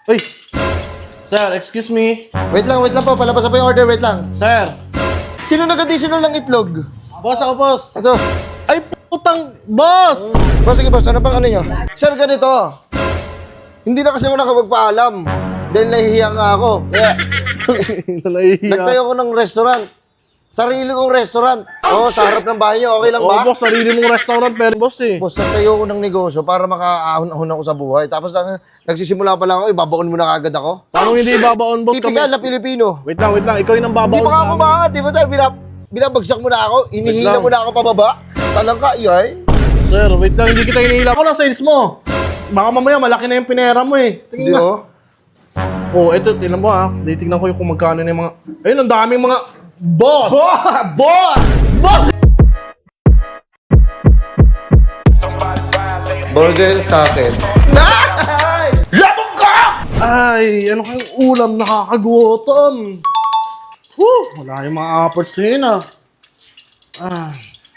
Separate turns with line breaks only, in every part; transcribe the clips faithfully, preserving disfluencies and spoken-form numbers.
Uy! Sir, excuse me.
Wait lang, wait lang po. Palabas na po yung order. Wait lang.
Sir!
Sino nag-additional ng itlog?
Boss ako, boss!
Ito.
Ay, putang! Boss!
Boss, sige boss. Ano bang ano nyo? Sir, ganito. Hindi na kasi ako nakapagpaalam. Dahil nahihiya nga ako. Kaya,
Nahihiya.
nagtayo ko ng restaurant. Sarili kong restaurant. Oo, sa harap ng bahay nyo. Okay lang
Oo,
ba?
boss, sarili mong restaurant, pero boss eh.
Boss, nagtayo ko ng negosyo para makaahon-ahon ako sa buhay. Tapos lang, nagsisimula pa lang ako, ibabaon mo na kagad ako.
Paano hindi ibabaon, boss?
Tipikal na Pilipino.
Wait lang, wait lang. Ikaw yung nang babaon
Hindi pa nga ako
sa amin.
umangat, di ba tayo? Binab binabagsak mo na ako, inihila
lang.
mo na ako pababa. Talang ka, yay.
Sir, wait lang. Hindi kita hinihila. Ako na sales mo. Baka mamaya malaki na yung pinera mo eh.
Hindi
Tingnan na.
oh.
Oh, eto, tingnan mo ha. Titignan ko yung kung magkano na yung mga... Ayun, ang daming mga... Boss!
Boss!
Boss!
Burger sa akin. Ay!
Labog ka! Ay, ano kayong ulam nakakagutom? Woo! Wala yung mga apports yun ah. Ah.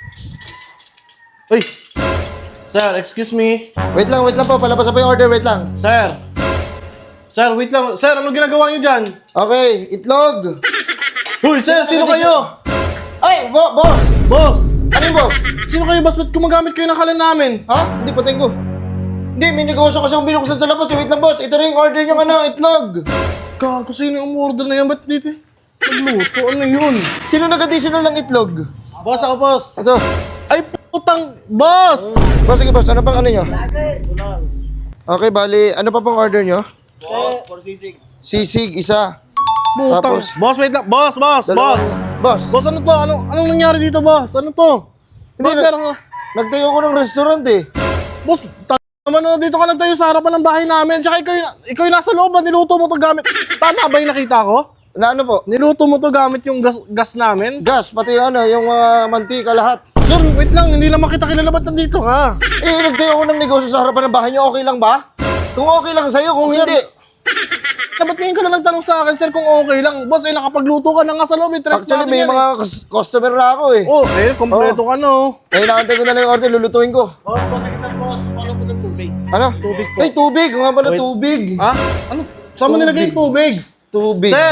Uy! Sir, excuse me.
Wait lang, wait lang po. Palabas na po yung order. Wait lang.
Sir! Sir, wait lang. Sir, ano ginagawa niyo dyan?
Okay, itlog.
Uy, sir, sino kayo?
Ay, bo boss!
Boss!
Ano yung boss?
Sino kayo, boss? Ba't gumagamit kayo ng kalan namin?
Ha? Hindi, patay ko. Hindi, may negosyo kasi akong binuksan sa labas. Eh, wait lang boss. Ito na yung order nyo ano, itlog.
Gago, sino yung order na yan? Ba't dito? Nagluto, ano yun?
Sino nag-additional ng itlog?
Boss ako, boss.
Ito.
Ay, putang, boss!
Boss, sige boss. Ano pang ano nyo? Okay, bali. Ano pa pong order nyo? Sisig, isa.
Putang.
Tapos?
Boss, wait lang. Boss, boss,
Dalawa.
boss.
Boss,
Boss, ano to? Ano, anong nangyari dito, boss? Ano to?
Hindi,
Bakit
na-
parang,
nagtayo ko ng restaurant eh.
boss, ta- naman oh, dito ka nagtayo sa harapan ng bahay namin. Tsaka ikaw, yung- ikaw yung nasa loob, ah, niluto mo to gamit. Tama ba yung nakita ko?
Na ano po?
Niluto mo to gamit yung gas, gas namin?
Gas, pati yung ano, yung mga mantika, lahat.
Sir, wait lang, hindi naman kita kilala. Ba't nandito ka?
Eh, nagtayo ko ng negosyo sa harapan ng bahay nyo. Okay lang ba? Kung okay lang sa'yo, kung
Sir,
hindi.
Na ba't ngayon ka na nagtanong sa akin, sir, kung okay lang? Boss, eh, nakapagluto ka na nga sa loob. Eh,
Actually,
trespassing
may
yan,
mga cus- customer na ako eh.
eh. Oh, eh, kompleto ka na, oh.
Eh, nakantay ko na lang yung order, lulutuin ko.
Boss, boss, kita, boss. Paano po ng tubig?
Ano?
Tubig po.
Ay, tubig. Kung nga pala
Wait.
tubig.
Ha? Ano? Saan mo
Tubig.
nilagay yung tubig?
Tubig.
Sir!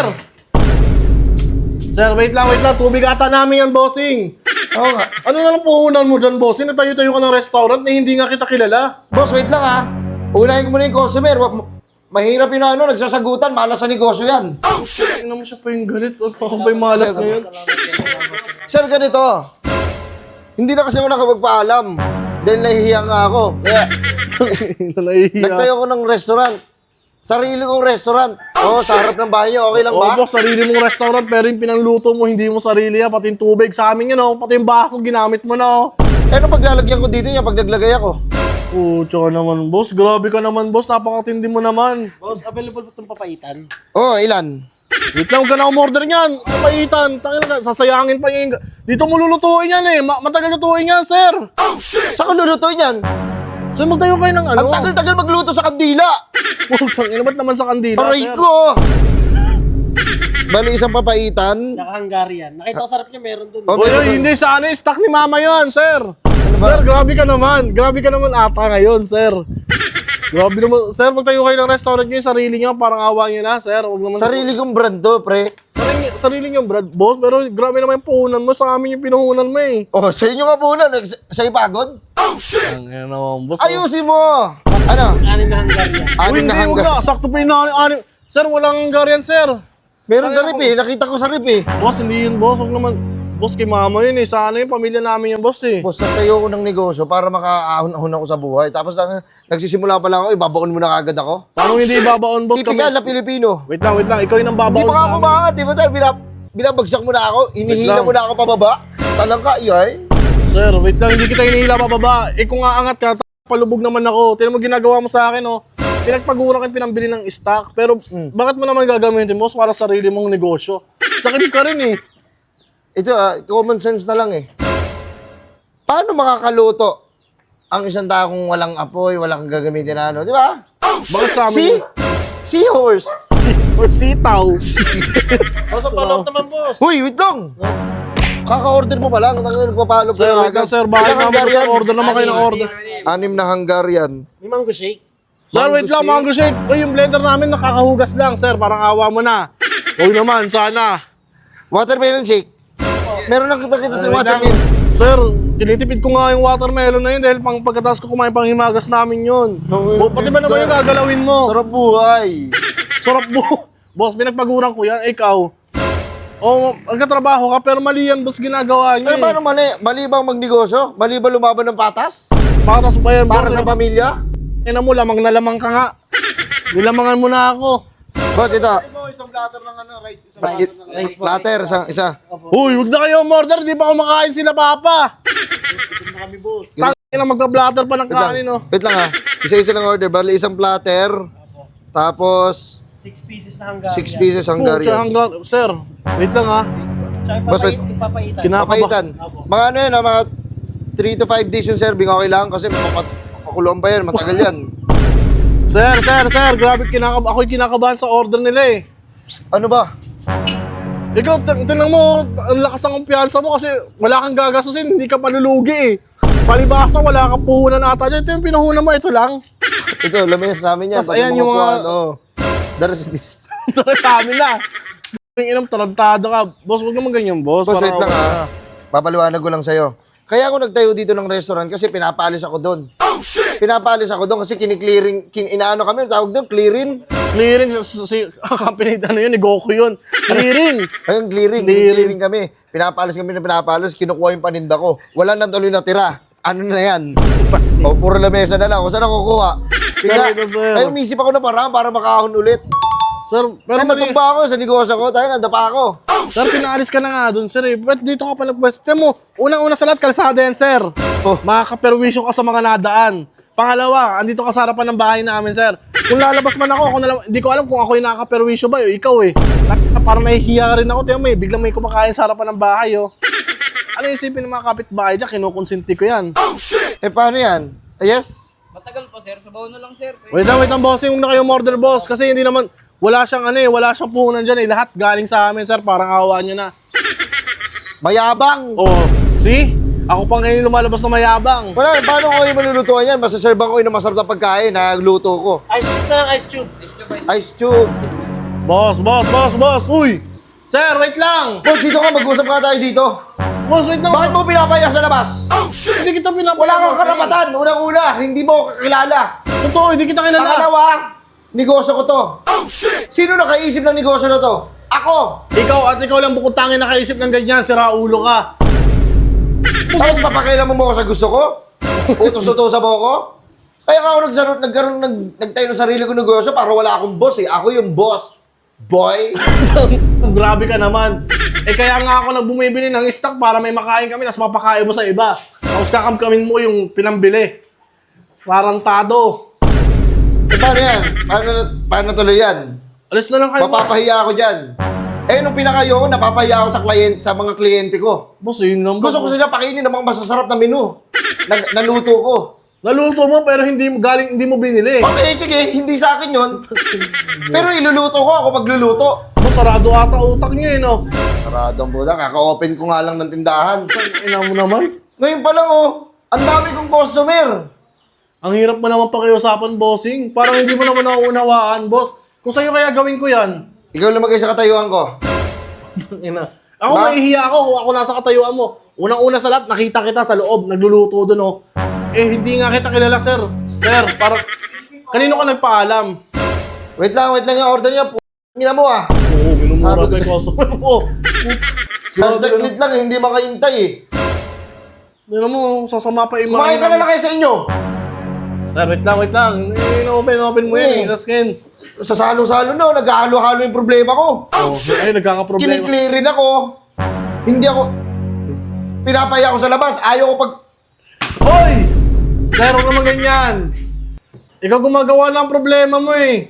Sir, wait lang, wait lang. Tubig ata namin yan, bossing.
Oo nga.
Ano na lang puhunan mo dyan, bossing? Natayo-tayo ka ng restaurant na hindi nga kita kilala.
Boss, wait lang ha. Unahin ko muna yung customer. Wa- Mahirap yung ano, nagsasagutan. Malas sa negosyo yan.
Tingnan mo siya pa yung galit. Huwag pa ako pa yung malas
Sir,
ngayon.
Sir, ganito. Hindi na kasi ako nakapagpaalam. Dahil nahihiya nga ako. Kaya,
Nahihiya.
nagtayo ko ng restaurant. Sarili kong restaurant. Oo, sa harap ng bahay nyo. Okay lang ba?
Oo, boss, sarili mong restaurant pero yung pinangluto mo, hindi mo sarili yan. Pati yung tubig sa amin yun, oh. Pati yung baso, ginamit mo na, oh.
Eh, ano paglalagyan ko dito yan pag naglagay ako?
Oh, tsaka naman, boss. Grabe ka naman, boss. Napakatindi mo naman.
Boss, available po itong papaitan.
Oo, oh, ilan?
Wait lang, huwag ka na umorder niyan. Kapaitan. Tangin na, sasayangin pa yung... Dito mo lulutuin yan, eh. Ma- matagal lutuin yan, sir.
Saan ko lulutuin yan?
Sir, magtayo kayo ng ano?
Ang tagal-tagal magluto sa kandila.
Putang ina, ba't naman sa kandila,
Aray
sir?
ko! Bali, isang papaitan.
Tsaka Hungarian. Nakita ko sarap niya, meron dun.
Oh,
Oy,
meron
oy,
doon.
hindi sa ano, stock ni mama yan, sir. Sir, grabe ka naman. Grabe ka naman ata ngayon, sir. Grabe naman. Sir, magtayo kayo ng restaurant nyo, yung sarili nyo, parang awa nyo na, sir. Huwag naman...
Sarili kong brand to, pre.
Sarili, sarili nyo, Brad, boss. Pero grabe naman yung puhunan mo. Sa amin yung pinuhunan mo, eh.
Oh, sa inyo nga po na. Nags- Sa'yo pagod?
Ang ina naman, boss. oh.
Ayusin mo! Ano?
Anin na Hungarian.
Uy,
Anim
hindi,
na
huwag
hanggang.
na. Sakto pa yung nani- ani- Sir, walang Hungarian, sir.
Meron sa rip eh. Nakita ko sa rip eh.
Boss, hindi yun, boss. Huwag naman. Boss, kay mama yun, eh. Sa ano yung pamilya namin yung boss, eh.
Boss, nagtayo ko ng negosyo para makaahon-ahon ako sa buhay. Tapos lang, nagsisimula pa lang ako, ibabaon mo na kagad ako.
Paano hindi babaon, boss?
Tipikal
Kami...
na Pilipino.
Wait lang, wait lang. Ikaw yung nang
Hindi
babaon
pa nga
sa
ako
amin.
umangat. Di ba tayo? Binab binabagsak mo na ako. Inihila
lang.
mo na ako pababa. Talang ka, yay.
Sir, wait lang. Hindi kita hinihila pa baba. Eh, kung aangat ka, palubog naman ako. Tinan mo ginagawa mo sa akin, oh. Pinagpagura ka pinambili ng stock. Pero, bakit mo naman gagamitin, boss, para sa sarili mong negosyo? Sakit ka rin, eh.
Ito ah, common sense na lang eh. Paano makakaluto ang isang tao kung walang apoy, walang gagamitin na ano, di ba?
Bakit sa amin?
See? Seahorse.
Or sitaw.
Boss, ang follow up naman, boss.
Huy, wait lang. Kaka-order mo pa lang, nagpapalo pa
Sir,
lang
wait lang,
agad.
sir. Bakit
Ilang
naman, sir?
Hungarian?
Order naman kayo ng order.
Anim na Hungarian.
May mango shake.
Sir, wait lang,
Mango
mango shake. Uy, yung blender namin nakakahugas lang, sir. Parang awa mo na. Huwag naman, sana.
Watermelon shake. Meron lang kita kita sa
Wait lang.
watermelon.
Sir, tinitipid ko nga yung watermelon na yun dahil pang pagkatapos ko kumain pang himagas namin yun.
Okay.
Bo, pati ba naman yung gagalawin mo?
Sarap buhay.
Sarap mo. Boss, pinagpaguran ko yan. Ikaw. Oo, nagkatrabaho ka pero mali yan, boss, ginagawa niya.
Ay, paano mali? Mali bang magnegosyo? Mali ba lumaban ng patas?
Patas pa yan,
Para
boss.
sa pamilya?
Ina mo, lamang na lamang ka nga. Nilamangan mo na ako.
Boss, ito.
Isang platter ng ano, rice. Isang
It,
rice po.
platter, isa. isa.
Uy, huwag na kayo umorder. Di pa kumakain sila, Papa.
Ito na kami, boss.
Tangin na magpa-blatter pa ng
Wait lang.
kanin, oh.
Wait lang ha. Isa-isa lang order. Bali, isang platter. Tapos,
Six pieces na hanggang.
six pieces
Pucha,
Hungarian.
hanggang, sir, wait lang ha.
Tsaka
Boss, wait.
ipapait, ipapaitan.
Kina-
Papaitan. Mga ano yun ha, mga three to five days yung serving. Okay lang kasi mapakulong pa yan. Matagal yan.
Sir, sir, sir, grabe kinakab ako'y kinakabahan sa order nila eh.
Ano ba?
Ikaw, tin- tingnan mo, ang lakas ng kumpiyansa mo kasi wala kang gagastusin, hindi ka palulugi eh. Palibasa, wala kang puhunan ata dyan. Ito yung pinuhunan mo, ito lang.
Ito, lamesa sa amin yan.
Tas
Pati
ayan yung
mga...
mga-
Oh. Daras this.
Ito na sa amin na. Yung inam, tarantado ka. Boss, huwag naman ganyan, boss.
Boss,
Parang
wait lang
wala
ha. Papaliwanag ko lang sa'yo. Kaya ako nagtayo dito ng restaurant kasi pinapaalis ako doon. Pinapaalis ako doon kasi kiniklearing, kin, inaano kami, tawag doon, clearing.
Clearing, si, si company, ano yun, ni Goku yun. Clearing.
Ayun, clearing,
Clearing.
clearing kami. Pinapaalis kami na pinapaalis, kinukuha yung paninda ko. Wala nang tuloy natira. Ano na yan? O, puro lamesa na lang. O, saan ako kukuha? Kaya,
Sir, sir.
ay, umisip ako na parang para makahon ulit.
Sir, pero
Ay,
mali.
natumba ako sa negosyo ko. Tayo, nadapa ako.
Sir, pinaalis ka na nga dun, sir eh. Ba't dito ka pa nagpwesto? Tignan mo, unang-una sa lahat, kalsada yan, sir.
Oh.
Makakaperwisyo ka sa mga nadaan. Pangalawa, andito ka sa harapan ng bahay namin, sir. Kung lalabas man ako, ako na lang, hindi ko alam kung ako yung nakakaperwisyo ba, o ikaw eh. Parang nahihiya rin ako, tignan mo eh, biglang may kumakain sa harapan ng bahay, oh. Ano isipin ng mga kapitbahay dyan? Kinukonsinti ko yan.
Eh, paano yan? Ah, yes?
Matagal pa, sir. Sabaw na lang, sir.
Wait lang, wait lang, bossing. Huwag na kayo order, boss. Kasi hindi naman, wala siyang ano eh, wala siyang puhunan dyan eh. Lahat galing sa amin, sir. Parang awa niyo na.
Mayabang.
Oh, see? Ako pa ngayon lumalabas na mayabang.
Wala, paano ko yung malulutuan yan? Masaserban ko yung masarap na pagkain na luto ko.
Ice cube na lang, ice cube.
Ice tube.
Boss, boss, boss, boss. Uy! Sir, wait lang!
Boss, dito ka, mag-usap ka tayo dito.
Boss, wait lang.
Bakit mo pinapaya sa labas?
Hindi kita pinapaya.
Wala kang karapatan. Unang-una, hindi mo ako kakilala.
Totoo, hindi kita kilala.
Pangalawa, negosyo ko to. Sino nakaisip ng negosyo na to? Ako.
Ikaw at ikaw lang bukod tangin nakaisip ng ganyan, sira ulo ka.
Tapos papakailan mo mo ako sa gusto ko? Utos-utosa mo ako? Kaya nga ako nagsaro, nagkaroon, nag, nagtayo ng sarili ko negosyo para wala akong boss eh. Ako yung boss. Boy.
Grabe ka naman. Eh kaya nga ako nagbumibili ng stock para may makain kami tapos mapakain mo sa iba. Tapos kakamkamin mo yung pinambili. Parang tado.
Eh paano yan? Paano, paano tuloy yan?
Alis na lang kayo.
Mapapahiya ako dyan. Eh, nung pinakayo ko, napapahiya ako sa, kliyent, sa mga kliyente ko.
Boss, yun lang.
Gusto ko sila pakainin ng mga masasarap na menu. Na, naluto ko.
Naluto mo pero hindi mo galing hindi mo binili.
Okay, sige, hindi sa akin yon. Pero iluluto ko ako magluluto.
Boss, sarado ata utak niya eh, no?
Saradong buda, kaka-open ko nga lang ng tindahan.
Ina mo naman.
Ngayon pa lang oh, ang dami kong customer.
Ang hirap mo naman pakiusapan, bossing. Parang hindi mo naman nauunawaan, boss. Kung sa'yo kaya gawin ko yan.
Ikaw lumagay sa katayuan ko.
Ina. Ako
Ba?
mahihiya ako kung ako nasa katayuan mo. Unang-una sa lahat, nakita kita sa loob, nagluluto doon, oh. Eh, hindi nga kita kilala, sir. Sir, parang... Kanino ka nagpaalam?
Wait lang, wait lang yung order niya. P***, ina mo ah.
Oo, minumura
Sabi ko
ko yung
sa-
customer mo.
Sa saglit lang, hindi makahintay eh.
Hindi mo, sasama pa yung
Kumain ka na lang kayo sa inyo.
Sir, wait lang, wait lang. In-open, open mo yan, eh.
Oo.
Tapos ngayon,
Sa salo-salo na, naghahalo-halo yung problema ko.
oh, ay, nagkakaproblema.
Kiniklearin ako. Hindi ako... Pinapaya ako sa labas. Ayaw ko pag...
Hoy! Sir, huwag naman ganyan. Ikaw gumagawa ng problema mo eh.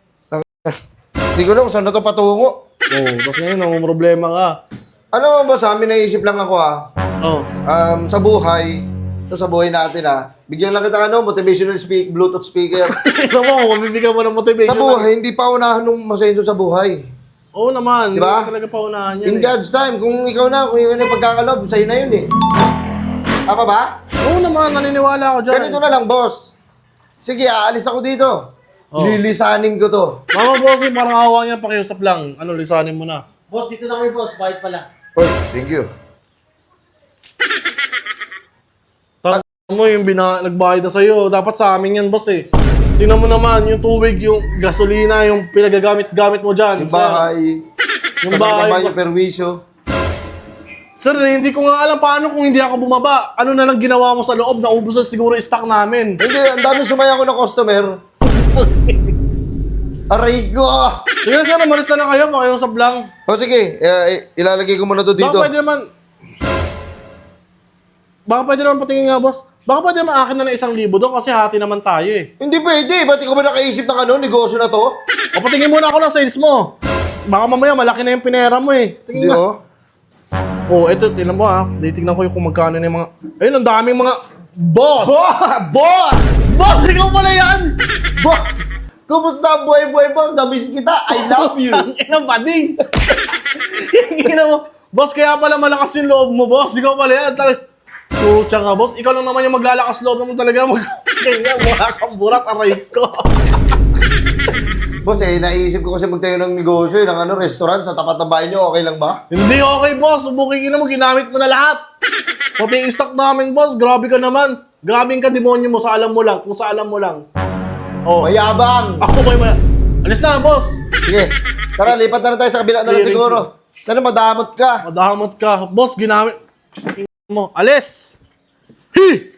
Hindi ko lang kung saan na ito patungo.
Oo, oh, tapos ngayon, ang problema ka.
Ano ba sa amin, naisip lang ako ah.
Oo. Oh.
Um, sa buhay, ito sa buhay natin ah. Bigyan lang kita ano, motivational speak, Bluetooth speaker.
Ito mo, kung mabibigyan mo ng motivation.
Sa buhay, hindi pa unahan nung masenso sa buhay.
Oo naman.
Di ba?
Hindi talaga paunahan yan
In
eh.
God's time, kung ikaw na, kung yun yung pagkakalob, sa'yo na yun eh. Tama ba?
Oo naman, naniniwala ako dyan.
Ganito na lang, boss. Sige, aalis ako dito.
Oh.
Lilisanin ko to.
Mga bossing, parang awa niya, pakiusap lang. Ano, lisanin mo na.
Boss, dito na kami, boss. Bayad pala.
Oy, thank you.
Tag mo yung bina nagbayad na sa'yo. Dapat sa amin yan, boss eh. Tingnan mo naman, yung tubig, yung gasolina, yung pinagagamit-gamit mo dyan.
Yung bahay,
Yung
sa
bahay
naman
ba-
yung perwisyo.
Sir, eh, hindi ko nga alam paano kung hindi ako bumaba. Ano na lang ginawa mo sa loob? Naubos na siguro yung stock namin.
Hindi, ang dami sumaya ko ng customer. Aray ko!
Sige na, sir, umalis na lang kayo. Pakiusap lang.
O sige, eh, ilalagay ko muna to dito.
Baka pwede naman... Baka pwede naman patingin nga, boss. Baka pwede naman akin na ng isang libo doon kasi hati naman tayo eh.
Hindi pwede, ba't ikaw ba nakaisip ng ano, negosyo na to?
O patingin muna ako ng sales mo. Baka mamaya malaki na yung pinera mo eh.
Hindi
Tingin nga.
oh.
Oh, eto, tingnan mo ha. Titignan ko yung kung magkano na yung mga... Ayun, ang daming mga... Boss!
Bo- boss!
Boss, ikaw pala yan!
Boss! Kumusta ang buhay-buhay, boss? Namiss kita. I love you.
Ang ina, bading! Ina mo. Boss, kaya pala malakas yung loob mo, boss. Ikaw pala yan. Tal- Pucha nga, boss. Ikaw lang naman yung maglalakas loob naman talaga. Mag- Ganyan, wala kang burat, aray ko.
Boss, eh, naisip ko kasi magtayo ng negosyo, eh, ng ano, restaurant sa tapat ng bahay nyo. Okay lang ba?
Hindi okay, boss. Subukin na mo, ginamit mo na lahat. Pati yung stock namin, boss. Grabe ka naman. Grabe ka demonyo mo sa alam mo lang. Kung sa alam mo lang. Oh.
Mayabang!
Ako ba yung... Alis na, boss.
Sige, tara, lipat na lang tayo sa kabila na lang
Sige,
siguro. Tara, madamot ka.
Madamot ka. Boss, ginamit mo. Alis! Hi!